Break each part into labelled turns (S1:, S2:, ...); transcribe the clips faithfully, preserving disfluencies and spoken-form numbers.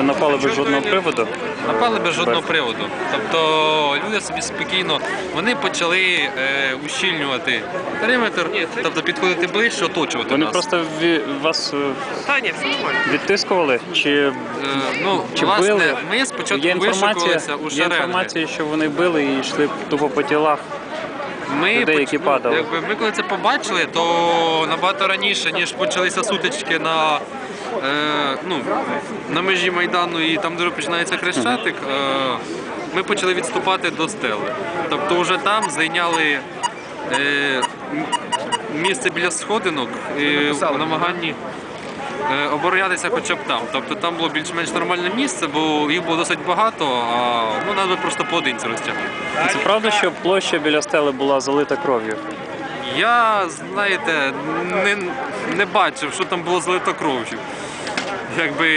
S1: напали без жодного приводу?
S2: Напали без жодного приводу. Тобто люди собі спокійно, вони почали е, ущільнювати периметр, тобто підходити ближче, оточувати
S1: Вони
S2: нас.
S1: просто ві- вас е,
S3: Та ні, все нормально.
S1: відтискували? Чи,
S2: Е, ну,
S1: чи
S2: власне,
S1: били?
S2: ми спочатку
S1: Є інформація,
S2: вишукувалися у
S1: є
S2: шеренги.
S1: інформація, що вони били і йшли тупо по тілах.
S2: Ми,
S1: людей,
S2: поч-
S1: які
S2: ну,
S1: падали.
S2: якби ми коли це побачили, то набагато раніше, ніж почалися сутички на, е, ну, на межі Майдану і там, де починається Хрещатик, е, ми почали відступати до стели. Тобто вже там зайняли е, м- місце біля сходинок і в намаганні е, оборонятися хоча б там. Тобто там було більш-менш нормальне місце, бо їх було досить багато, а ну, нас би просто поодинці розтягнути.
S1: Це правда, що площа біля стели була залита кров'ю?
S2: Я, знаєте, не, не бачив, що там було залито кров'ю. Якби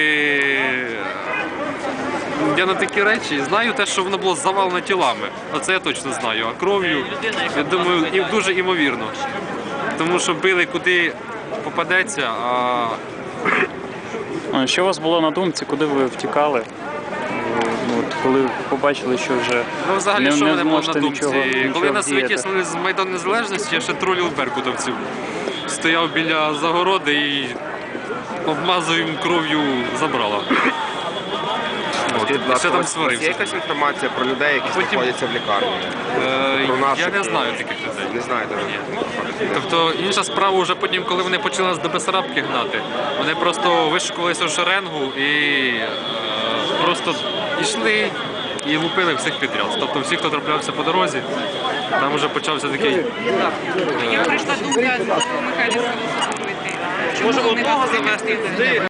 S2: я на такі речі знаю те, що воно було завалено тілами. Оце я точно знаю. А кров'ю, я думаю, і дуже імовірно. Тому що били куди попадеться, а
S1: А Що у вас було на думці, куди ви втікали? Ну, от коли побачили, що вже
S2: ну, взагалі,
S1: не,
S2: що
S1: не
S2: мене було на
S1: зможете
S2: думці?
S1: нічого, нічого
S2: Коли нас
S1: вдіяти?
S2: витіснили з Майдану Незалежності, я ще тролів беркутовців. Стояв біля загороди і обмазую їм кров'ю забрала.
S3: Скажіть, будь ласка,
S2: Ще
S3: у
S2: там
S3: вас
S2: сварився.
S3: є якась інформація про людей, які
S2: Потім-
S3: знаходяться в лікарні?
S2: Е,
S3: Про наших,
S2: Я не
S3: е,
S2: знаю таких людей.
S3: Не знаєте?
S2: Тобто інша справа вже потім, коли вони почали нас до Бесарабки гнати, вони просто вишикувалися в шеренгу і е, просто йшли і лупили всіх підряд. Тобто всі, хто траплявся по дорозі, там вже почався такий.
S4: Я прийшла думка до Михайла Солосової.
S3: Може, одного завести?